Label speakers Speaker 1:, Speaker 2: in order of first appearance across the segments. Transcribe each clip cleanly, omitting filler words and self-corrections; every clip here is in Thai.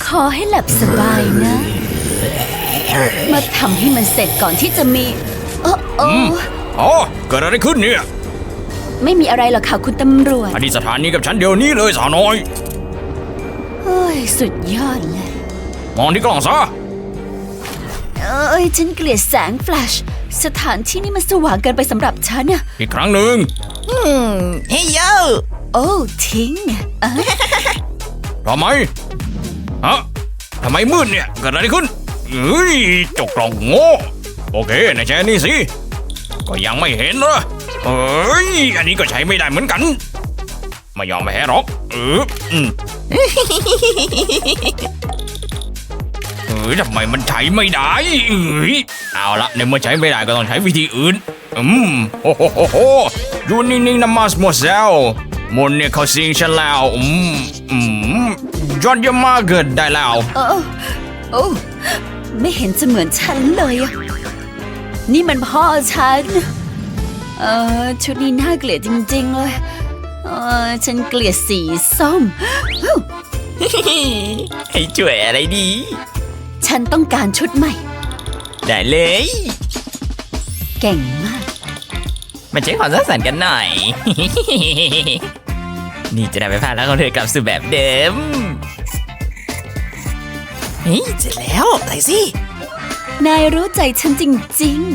Speaker 1: อให้หลับสบายนะ มาทำให้มันเสร็จก่อนที่จะมี
Speaker 2: อ๋อเกิดอะไรขึ้นเนี่ย
Speaker 1: ไม่มีอะไรหรอกค่ะคุณตำรวจ
Speaker 2: อดีตสถานีกับฉันเดี๋ยวนี้เลยสาวน้อย
Speaker 1: เฮ้ยสุดยอดเลย
Speaker 2: มองที่กล้องซะ
Speaker 1: ฉันเกลียดแสงแฟลชสถานที่นี่มันสว่างเกินไปสำหรับฉันอะ
Speaker 2: อีกครั้งหนึ่ง
Speaker 3: เฮ้ยโย
Speaker 1: โอ้ทิ้ง
Speaker 2: ทำไมฮะทำไมมืดเนี่ยเกิดอะไรขึ้นเฮ้ยจกกล่องโง่โอเคในแชร์นี่สิก็ยังไม่เห็นเหรอเฮ้ยอันนี้ก็ใช้ไม่ได้เหมือนกันไม่ยอมแพ้หรอกทำไมมันใช้ไม่ได้เอาละในเมื่อใช้ไม่ได้ก็ต้องใช้วิธีอื่นโอ้โหอยู่นิ่งๆนะมาสโมเซลมนเนี่ยเขาสิงฉันแล้วยอดเยี่ยมมากเกิดได้แล้ว
Speaker 1: โอ้ไม่เห็นจะเหมือนฉันเลยอะนี่มันพ่อฉันชุดนี้น่าเกลียดจริงๆเลยฉันเกลียดสีส้ม
Speaker 3: ให้ช่วยอะไรดี
Speaker 1: ฉันต้องการชุดใหม่
Speaker 3: ได้เลย
Speaker 1: เก่งมาก
Speaker 3: มาใช้ความสร้างสรรค์กันหน่อย นี่จะได้ไปพาแล้วของเธอกลับสู่แบบเดิมเฮ้ยเสร็จแล้วใส่สิ
Speaker 1: นายรู้ใจฉันจริง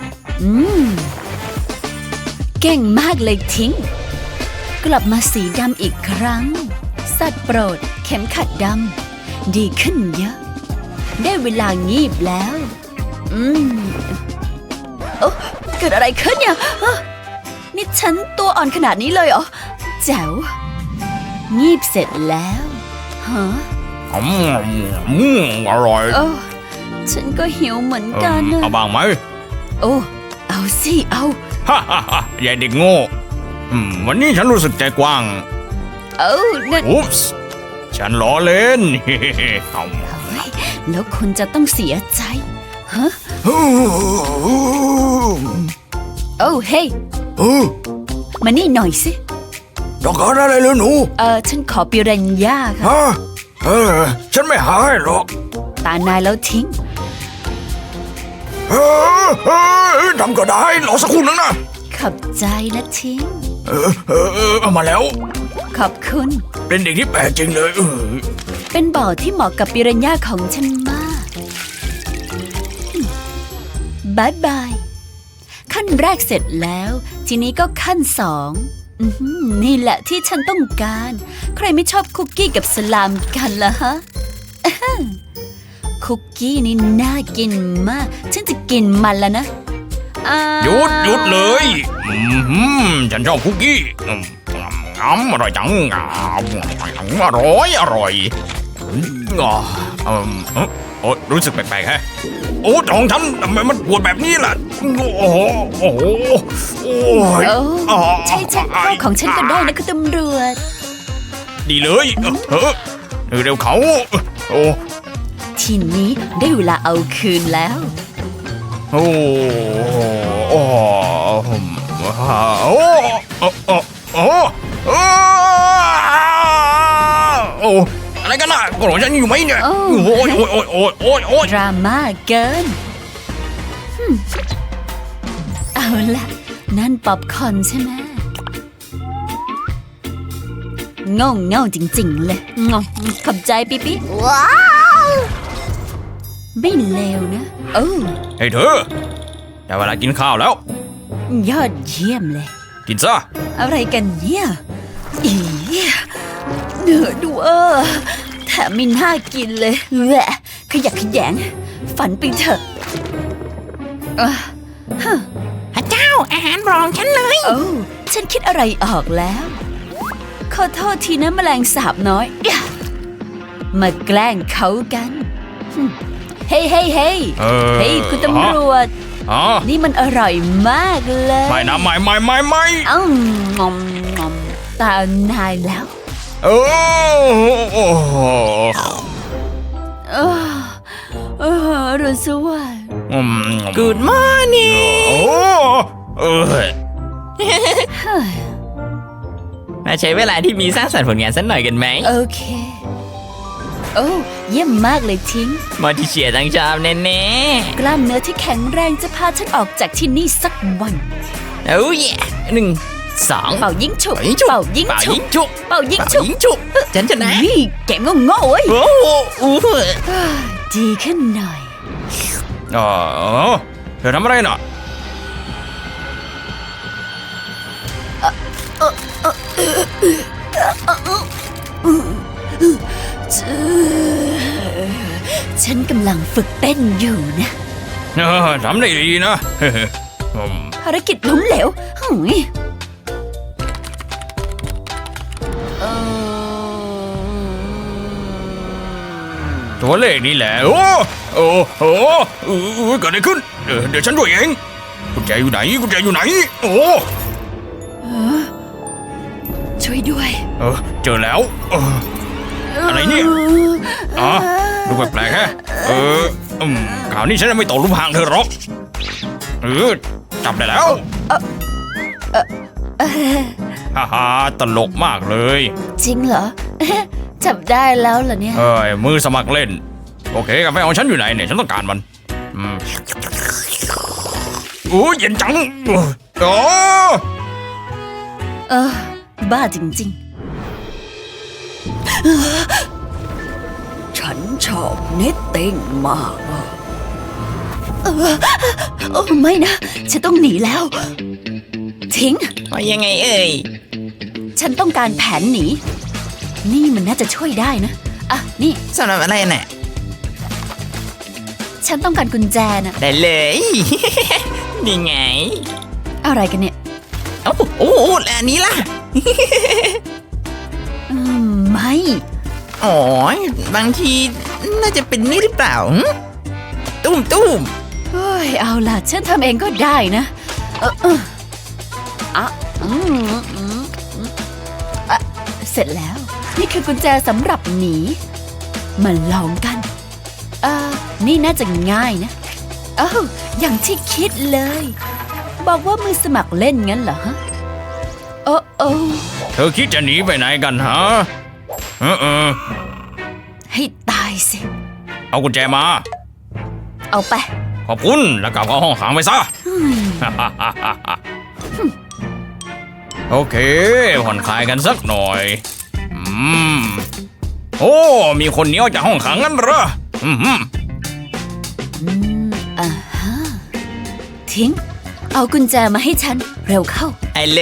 Speaker 1: ๆเก่งมากเลยทิ้งกลับมาสีดำอีกครั้งสัตว์โปรดเข็มขัดดำดีขึ้นเยอะได้เวลางีบแล้วเกิดอะไรขึ้นเนี่ยนี่ฉันตัวอ่อนขนาดนี้เลยเหรอแจ๋วงีบเสร็จแล้วฮะ
Speaker 2: อร่อย
Speaker 1: ฉันก็หิวเหมือนกันนะ
Speaker 2: เอาบ้างไหม
Speaker 1: เอาสิเอา
Speaker 2: ยายเด็กโง่วันนี้ฉันรู้สึกใจกว้าง
Speaker 1: นั่น
Speaker 2: อุ๊ปส์ฉันล้อเล่น
Speaker 1: แล้วคุณจะต้องเสียใจฮะเฮ้ยมานี่หน่อยสิ
Speaker 2: ต้องการอะไรเลยหนู
Speaker 1: ฉันขอปิรันย่าค่ะ
Speaker 2: ฉันไม่หาให้หรอก
Speaker 1: ตานายแล้วทิ้ง
Speaker 2: ทำก็ได้รอสักครู่นึงนะ
Speaker 1: ขอบใจนะทิ้ง
Speaker 2: เอามาแล้ว
Speaker 1: ขอบคุณ
Speaker 2: เป็นเด็กที่แปลกจริงเลย
Speaker 1: เป็นบ่อที่เหมาะกับปิรันย่าของฉันมากบายบายขั้นแรกเสร็จแล้วทีนี้ก็ขั้นสองนี่แหละที่ฉันต้องการใครไม่ชอบคุกกี้กับสลามกันล่ะฮะคุกกี้นี่น่ากินมากฉันจะกินมันแล้วนะ
Speaker 2: หยุดเลยฉันชอบคุกกี้อร่อยจังอร่อยรู้สึกแปลกๆฮะท้องฉันทำไมมันปวดแบบนี้ล่ะ
Speaker 1: ใช่พ่อของฉันก็ได้นะคุณตำรวจ
Speaker 2: ดีเลยเร็วเขา
Speaker 1: ทีนี้ได้เวลาเอาคืนแล้ว
Speaker 2: อะไรกันน่ะกระโดดฉันอยู่ไหมเนี่ย
Speaker 1: ดราม่าเกินเอาล่ะนั่นป๊อปคอร์นใช่ไหมเง่าจริงๆเลยขอบใจปิ๊ปิ๊ว้าวไม่เลวนะ
Speaker 2: เฮ้ยเธอได้เวลากินข้าวแล้ว
Speaker 1: ยอดเยี่ยมเลย
Speaker 2: กินซะ
Speaker 1: อะไรกันเนี่ยเนื้อดูแถมไม่น่ากินเลยแหวะขยักขยงฝันไปเถอะ
Speaker 3: พระเจ้าอาหารรองฉันเลย
Speaker 1: ฉันคิดอะไรออกแล้วขอโทษทีนะแมลงสาบน้อยมาแกล้งเขากันเฮ้ยคุณตำรวจนี่มันอร่อยมากเลย
Speaker 2: ไม่นะไม่
Speaker 1: งอมตานายแล้วรุนสวัสดิ์
Speaker 3: Good morning มาใช้เวลาที่มีสร้างสรรค์ผลงานสักหน่อยกันไหม
Speaker 1: โอเคโอ้เยี่ยมมากเลยทิ้ง
Speaker 3: มาที่เชียร์ทั้งชอบแน่
Speaker 1: กล้ามเนื้อที่แข็งแรงจะพาฉันออกจากที่นี่สักวัน
Speaker 3: ๆโอ้ย1 2
Speaker 1: เป่ายิงฉุบ
Speaker 3: เป่ายิงฉุบ
Speaker 1: เป่ายิง
Speaker 3: เป่า
Speaker 1: ฉุ
Speaker 3: ยิ
Speaker 1: บ
Speaker 3: งฉุบ
Speaker 1: เป่ายิง
Speaker 3: เป่า
Speaker 1: ฉุบ
Speaker 3: ยิงฉุบฉันชนะ
Speaker 1: นี่แกโง่ๆเว้ย
Speaker 3: โอ้โห
Speaker 1: ดีขึ้นหน่อย
Speaker 2: เออเธอทำอะไรน่ะ
Speaker 1: ฉันกำลังฝึกเต้นอยู่นะ
Speaker 2: ทำได้ดีนะ
Speaker 1: ภารกิจล้มเหลวหึยเอ่อ
Speaker 2: ตัวเลขนี่แหละ โอ้โอ้โอ้เกิดอะไรขึ้นเดี๋ยวฉันด้วยเองกุญแจอยู่ไหนกุญแจอยู่ไหนโอ้
Speaker 1: ช่วยด้วย
Speaker 2: เจอแล้วอะไรเนี่ยอ๋อดูแปลกๆฮะข่าวนี้ฉันไม่ตกหลุมพรางเธอหรอกจับได้แล้วฮ่าตลกมากเลย
Speaker 1: จริงเหรอ จับได้แล้วเหรอเนี่ย
Speaker 2: มือสมัครเล่นโอเคกาแฟของฉันอยู่ไหนเนี่ยฉันต้องการมันโอ้เย็นจังโอ้
Speaker 1: บ้าจริงๆ ฉันชอบเนตติ้งมากโอ้ไม่นะ ฉันต้องหนีแล้ว ทิ้ง
Speaker 3: ว่ายังไงเอ่ย
Speaker 1: ฉันต้องการแผนหนี นี่มันน่าจะช่วยได้นะ อ่ะ นี่
Speaker 3: สำหรับอะไรน่ะ
Speaker 1: ฉันต้องการกุญแจนะ
Speaker 3: ได้เลย นี่ไง
Speaker 1: อะไรกันเนี่ย
Speaker 3: โอ้โหแล้วอันนี้ล่ะ
Speaker 1: ไม่
Speaker 3: อ๋อบางทีน่าจะเป็นนี่หรือเปล่าหึตุ้ม
Speaker 1: เฮ้ย เอาล่ะ ฉันทำเองก็ได้นะอ่ะเสร็จแล้ว นี่คือกุญแจสำหรับหนี มาลองกัน นี่น่าจะง่ายนะอย่างที่คิดเลย บอกว่ามือสมัครเล่นงั้นเหรอฮะ โอ้
Speaker 2: เธอคิดจะหนีไปไหนกันฮะ
Speaker 1: ให้ตายสิ
Speaker 2: เอากุญแจมา
Speaker 1: เอาไป
Speaker 2: ขอบคุณแล้วกลับเข้าห้องขังไปซะ โอเคผ่อนคลายกันสักหน่อยโอ้มีคนหนีออกจากห้องขังงั้นเหรอ
Speaker 1: ทิ้ง เอากุญแจมาให้ฉัน เร็วเข้า
Speaker 3: ไอ้เลย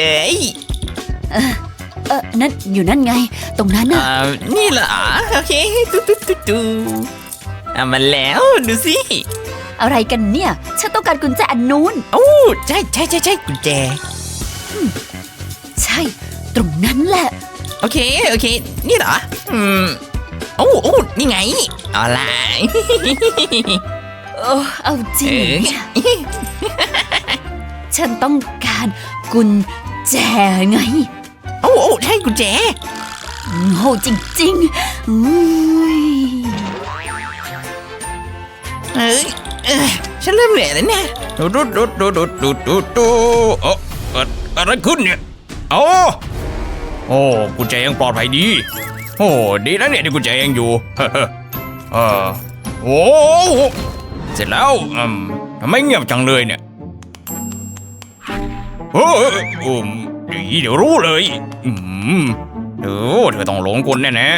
Speaker 1: นั่นอยู่นั่นไง ตรงนั้นน่ะ
Speaker 3: นี่เหรอโอเคตูเอามาแล้วดูสิ
Speaker 1: อะไรกันเนี่ย ฉันต้องการกุญแจอันนู้น
Speaker 3: โอ้ใช่กุญแจ
Speaker 1: ใช่ ตรงนั้นแหละ
Speaker 3: โอเคนี่เหรอโอ้นี่ไงเอาล่ะ
Speaker 1: เอาจริงเนี่ยฉันต้องการกุญแจไง
Speaker 3: โอ้ใช่กุญแจ
Speaker 1: โง่จริงๆ
Speaker 3: ฉันเริ่มเหนื่อยแล้วเนี่ย
Speaker 2: อะไรขึ้นเนี่ยโอ้กุญแจยังปลอดภัยดีโอ้ดีนะเนี่ยที่กุญแจยังอยู่โอ้เสร็จแล้วทำไมเงียบจังเลยเนี่ยเดี๋ยวรู้เลยเธอต้องหลงกลแน่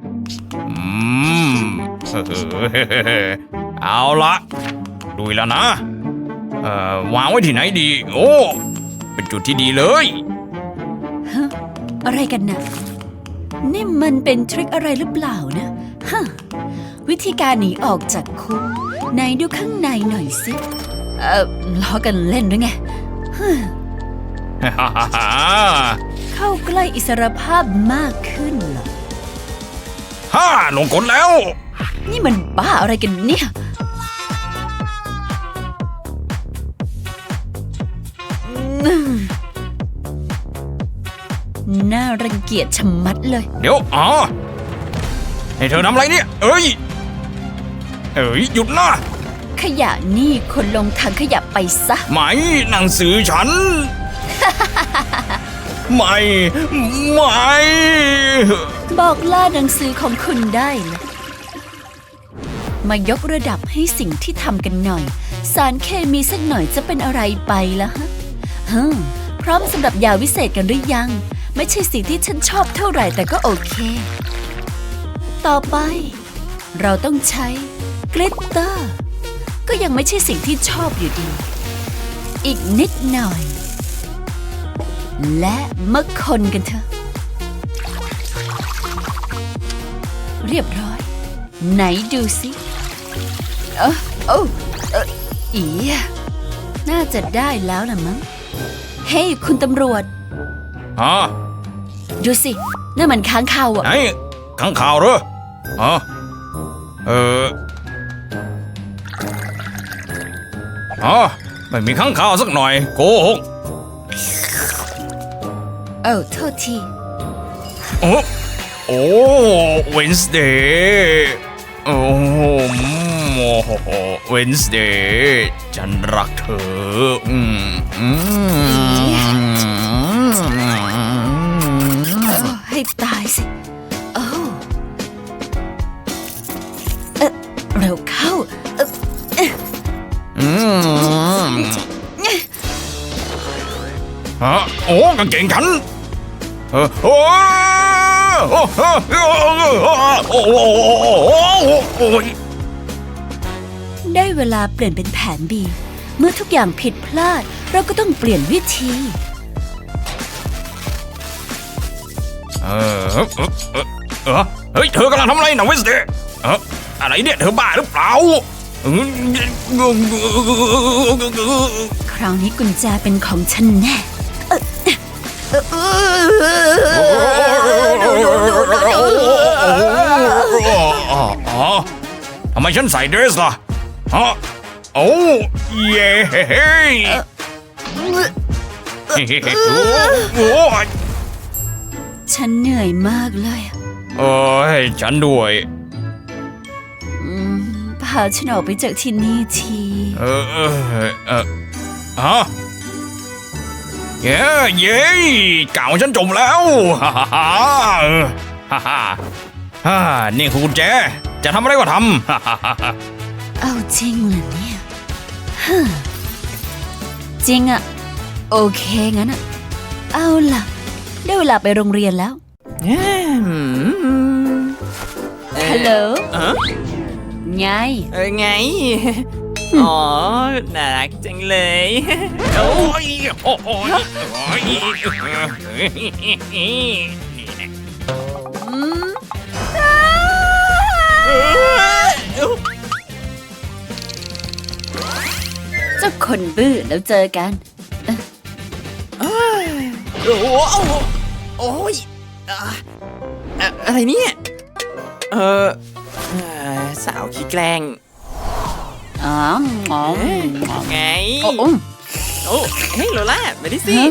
Speaker 2: ๆเอาละดูแล้วนะวางไว้ที่ไหนดีโอ้เป็นจุดที่ดีเลย
Speaker 1: อะไรกันนะนี่มันเป็นทริคอะไรหรือเปล่านะฮะวิธีการหนีออกจากคุกไหนดูข้างในหน่อยสิล้อกันเล่นหรือไงเข้าใกล้อิสรภาพมากขึ้นเหรอ
Speaker 2: ลงกลแล้ว
Speaker 1: นี่มันบ้าอะไรกันเนี่ยน่ารังเกียจชะมัดเลย
Speaker 2: เดี๋ยวให้เธอทำอะไรเนี่ยเอ้ยหยุดนะ
Speaker 1: ขยะนี่คนลงถังขยะไปซะ
Speaker 2: ไม่หนังสือฉัน ไม่
Speaker 1: บอกล่าหนังสือของคุณได้เลยมายกระดับให้สิ่งที่ทำกันหน่อย สารเคมีสักหน่อยจะเป็นอะไรไปล่ะฮะพร้อมสำหรับยาวิเศษกันหรือยัง ไม่ใช่สิ่งที่ฉันชอบเท่าไหร่แต่ก็โอเค ต่อไป เราต้องใช้กลิตเตอร์ก็ยังไม่ใช่สิ่งที่ชอบอยู่ดี อีกนิดหน่อย และมาคนกันเถอะ เรียบร้อย ไหนดูสิอีน่าจะได้แล้วล่ะมั้ง เฮ้ยคุณตำรวจ
Speaker 2: ฮะ
Speaker 1: ดูสินั่นมันค้างคาวอะ
Speaker 2: ไหนข้างข่าวเหรอฮะไม่มีข้างข่าวสักหน่อยโกหก
Speaker 1: โทษที
Speaker 2: โอ้เวนส์เดย์โอ้เวนส์เดย์ฉันรักเธอ
Speaker 1: ให้ตายสิเร็วเข้า
Speaker 2: โอ้กางเกงฉัน
Speaker 1: ได้เวลาเปลี่ยนเป็นแผน B เมื่อทุกอย่างผิดพลาดเราก็ต้องเปลี่ยนวิธี
Speaker 2: เฮ้ยเธอกำลังทำอะไรนะเวนส์เดย์อะไรเนี่ยเธอบ้าหรือเปล่า
Speaker 1: คราวนี้กุญแจเป็นของฉันแน่
Speaker 2: ทำไมฉันใส่เดรสล่ะฮะโอ้เย้
Speaker 1: ฉันเหนื่อยมากเลย
Speaker 2: ฉันด้วย
Speaker 1: พาฉันออกไปจากที่นี่ที
Speaker 2: ฮะเย้กาวฉันจมแล้วนี่คือกุญแจจะทำอะไรก็ทำ
Speaker 1: เอาจริงเหรอเนี่ยจริงอะโอเคงั้นอะเอาล่ะได้เวลาไปโรงเรียนแล้วฮัลโหลไง
Speaker 3: ไงอ๋อน่ารักจังเลย
Speaker 2: โอ้ย
Speaker 1: เจ้าคนบื้อแล้วเจอกัน
Speaker 3: โอ้ยอะไรเนี่ยสาวขี้แกล้งไงโอ้เฮ้ยโลล่ามาดิสิ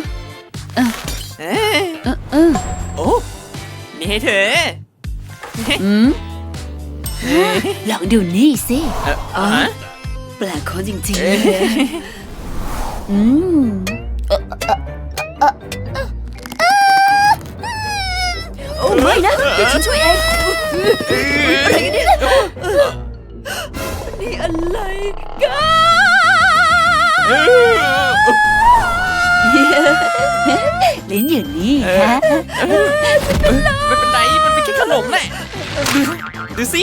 Speaker 3: โอ้นี่ให้เธอ
Speaker 1: ลองดูนี่สิแปลกเขาจริงๆเลยโอ้ไม่นะเดี๋ยวฉันช่วยเองอะไรกันเนี่ยนี่อะไรกันลิ้นอยู่นี่ฮะ
Speaker 3: ไม่เป็นไรมันเป็นแค่ขนมแหละดูสิ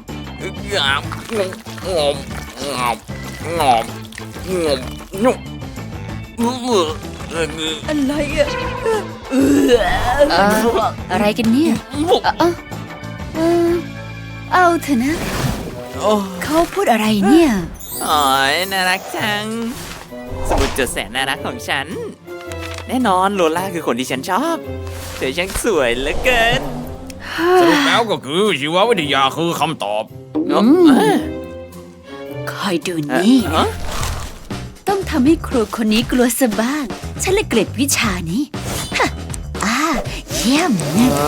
Speaker 1: อะไรอะอะไรกันเนี่ยเอาเถอะนะเขาพูดอะไรเนี่ย
Speaker 3: อ๋อน่ารักจังสมุดจดแสนน่ารักของฉันแน่นอนโลล่าคือคนที่ฉันชอบเธอช่างสวยเหลือเกิน
Speaker 2: สรุปแล้วก็คือชีววิทยาคือคำตอบ
Speaker 1: คอยดูนี่นะต้องทำให้ครูคนนี้กลัวซะบ้างฉันเลยเกลียดวิชานี้เยี่ยม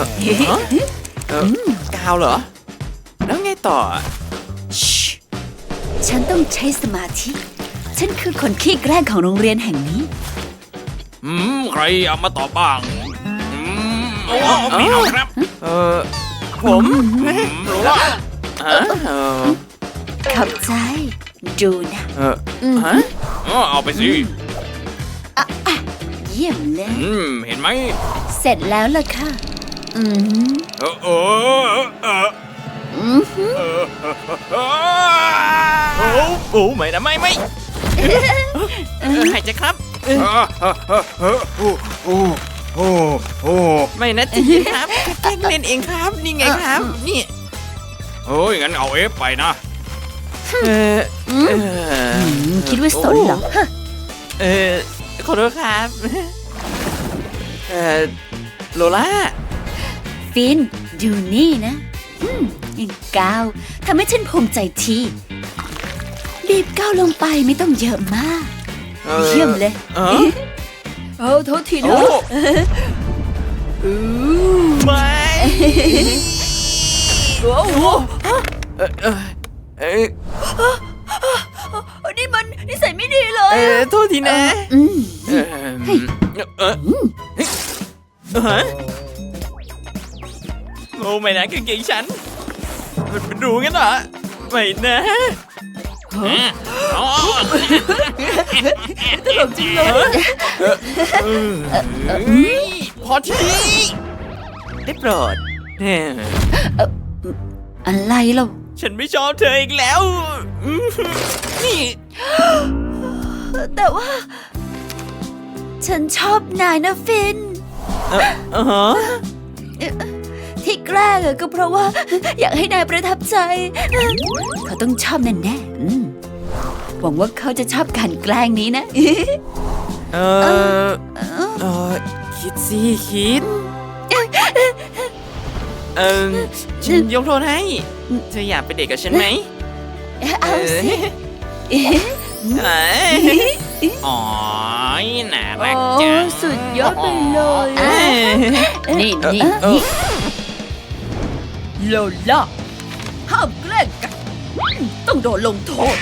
Speaker 3: กาวเหรอแล้วไงต่อ
Speaker 1: ฉันต้องใช้สมาธิฉันคือคนขี้แกล้งของโรงเรียนแห่งนี้
Speaker 2: ใครเอามาตอบบ้างพี่น้องครับ
Speaker 3: ผม
Speaker 2: รู้ว่า
Speaker 1: ขอบใจ ดูนะ
Speaker 3: ฮะ
Speaker 2: เอาไปสิ
Speaker 1: เยี่ยมเลย
Speaker 2: เห็นไหม
Speaker 1: เสร็จแล้วล่ะค่ะ อืม
Speaker 2: เออ
Speaker 3: โอ้ไม่นะไม่หายใจครับ ไม่นะจีนครับแกล้งเล่นเองครับ นี่ไงครับ นี่
Speaker 2: เฮ้ยงั้นเอาเอฟไปนะ
Speaker 1: คิดว่าสนเหรอฮะ
Speaker 3: ขอโทษครับ โลล่า
Speaker 1: ฟิน ดูนี่นะก้าวทำให้ฉันภูมิใจทีรีบก้าวลงไปไม่ต้องเยอะมาก เยี่ยมเลย โอ้โทษทีนะ
Speaker 3: ไม่
Speaker 1: โอ้โห
Speaker 3: เ
Speaker 1: นี่มันนิสัยไม่ดีเลย
Speaker 3: โทษทีนะโอ้ไม่นะกางเกงฉัน มันเป็นรูงั้นเหรอ ไม่นะ
Speaker 1: ตลกจริงเลย
Speaker 3: พอทีได้โปรด
Speaker 1: อะไรเรา
Speaker 3: ฉันไม่ชอบเธออีกแล้ว นี่
Speaker 1: แต่ว่า ฉันชอบนายนะฟิน ที่แกล้งก็เพราะว่า อยากให้นายประทับใจ เขาต้องชอบแน่ๆหวังว่าเขาจะชอบการแกล้งนี้นะ
Speaker 3: คิดสิคิด ฉันยกโทษให้ เธออยากไปเดทกับฉันไหม
Speaker 1: เอาสิ
Speaker 3: อ๋อน่ารัก
Speaker 1: โอ้
Speaker 3: จัง
Speaker 1: สุดยอดไปเลยนี่โลล่าห้ามแกล้งกันต้องโดนลงโทษ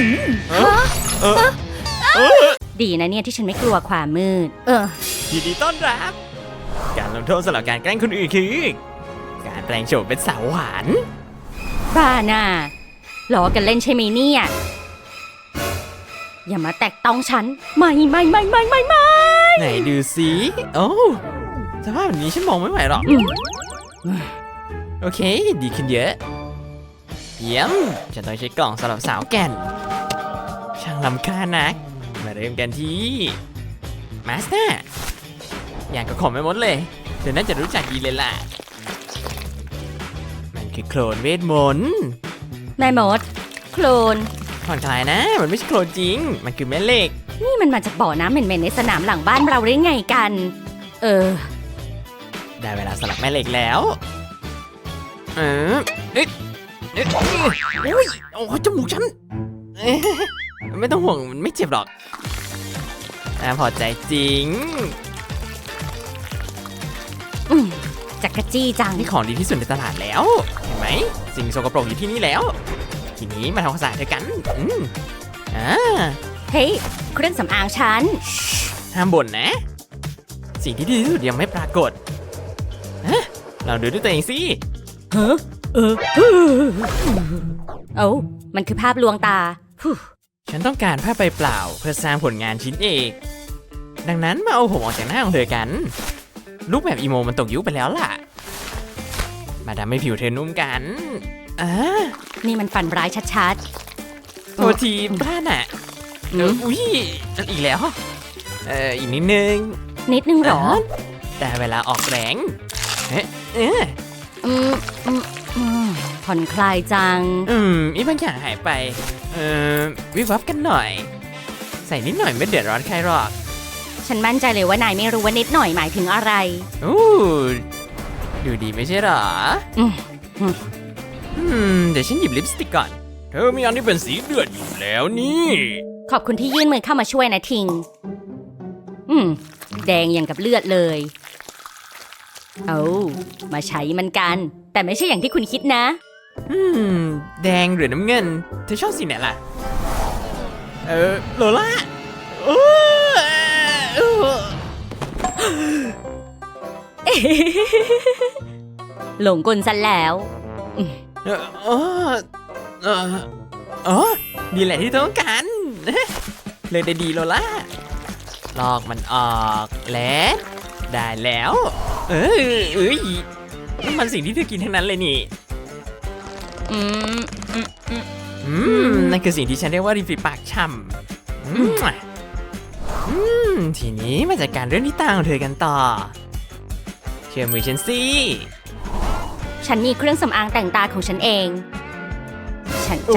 Speaker 4: ดีนะเนี่ยที่ฉันไม่กลัวความมืด
Speaker 3: ยินดีต้อนรับ การลงโทษสำหรับการแกล้งคนอื่นคือ การแปลงโฉมเป็นสาวหวาน
Speaker 4: บ้าน่ะล้อกันเล่นใช่ไหมเนี่ย อย่ามาแตะต้องฉัน ไม่
Speaker 3: ไหนดูสิโอ้สภาพแบบนี้ฉันมองไม่ไหวหรอก โอเค ดีขึ้นเยอะ เยี่ยมฉันต้องใช้กล่องสำหรับสาวแก่น ช่างลำค่าญนัก มาเริ่มกันที่มาสเตอร์อย่างกับของไม่หมดเลยเธอน่าจะรู้จักดีเลยล่ะ มันคือโคลนเวทมนต์
Speaker 4: แม่มด โคลน
Speaker 3: ผ่อนคลายนะ มันไม่ใช่โคลนจริง มันคือแม่เหล็ก
Speaker 4: นี่มันมาจากบ่อน้ำเหม็นๆในสนามหลังบ้านเราได้ไงกัน
Speaker 3: ได้เวลาสลับแม่เหล็กแล้วเอ๊ะโอ้ยโอ้จมูกฉันไม่ต้องห่วงมันไม่เจ็บหรอกน่าพอใจจริง
Speaker 4: จักรจี้จัง
Speaker 3: นี่ของดีที่สุดในตลาดแล้ว เห็นไหม สิ่งสกปรกอยู่ที่นี่แล้ว ทีนี้มาทำความสะอาดด้วยกัน
Speaker 4: เฮ้ยเครื่องสำอางฉัน
Speaker 3: ห้ามบ่นนะ สิ่งที่ดีที่สุดยังไม่ปรากฏเราดูด้วยตัวเองสิ
Speaker 4: เอ้ามันคือภาพลวงตา
Speaker 3: ฉันต้องการผ้าใบเปล่าเพื่อสร้างผลงานชิ้นเอกดังนั้นมาเอาผมออกจากหน้าของเธอกันรูปแบบอีโมมันตกยุคไปแล้วล่ะมาทำให้ผิวเธอนุ่มกัน
Speaker 4: นี่มันฝันร้ายชัด
Speaker 3: โทษทีพลาดน่ะอุ้ยอีกแล้วอีกนิดนึง
Speaker 4: นิดนึงเหรอ
Speaker 3: แต่เวลาออกแรง
Speaker 4: ผ่อนคลายจัง
Speaker 3: อีบางอย่างหายไปวิบวับกันหน่อย ใส่นิดหน่อยไม่เดือดร้อนใครหรอก
Speaker 4: ฉันมั่นใจเลยว่านายไม่รู้ว่านิดหน่อยหมายถึงอะไร
Speaker 3: ดูดีไม่ใช่หรอเดี๋ยวฉันหยิบลิปสติกก่อนเธอมีอันที่เป็นสีเดือดอยู่แล้วนี่
Speaker 4: ขอบคุณที่ยื่นมือเข้ามาช่วยนะทิง แดงอย่างกับเลือดเลยเอามาใช้มันกัน แต่ไม่ใช่อย่างที่คุณคิดนะ
Speaker 3: แดงหรือน้ำเงินเธอชอบสีไหนล่ะโลล่า
Speaker 4: หลงกลซะแล้ว
Speaker 3: อ๋อนี่แหละที่ต้องการ เลยได้ดีโลล่าลอกมันออกและได้แล้วเอ้ยนี่มันสิ่งที่เธอกินทั้งนั้นเลยนี่
Speaker 4: อืมอืมอืม
Speaker 3: นั่นคือสิ่งที่ฉันเรียกว่าริมฝีปากช่ำทีนี้มาจัดการเรื่องที่ตาของเธอกันต่อ เชื่อมือฉันสิ
Speaker 4: ฉันมีเครื่องสำอางแต่งตาของฉันเอง ฉันจะ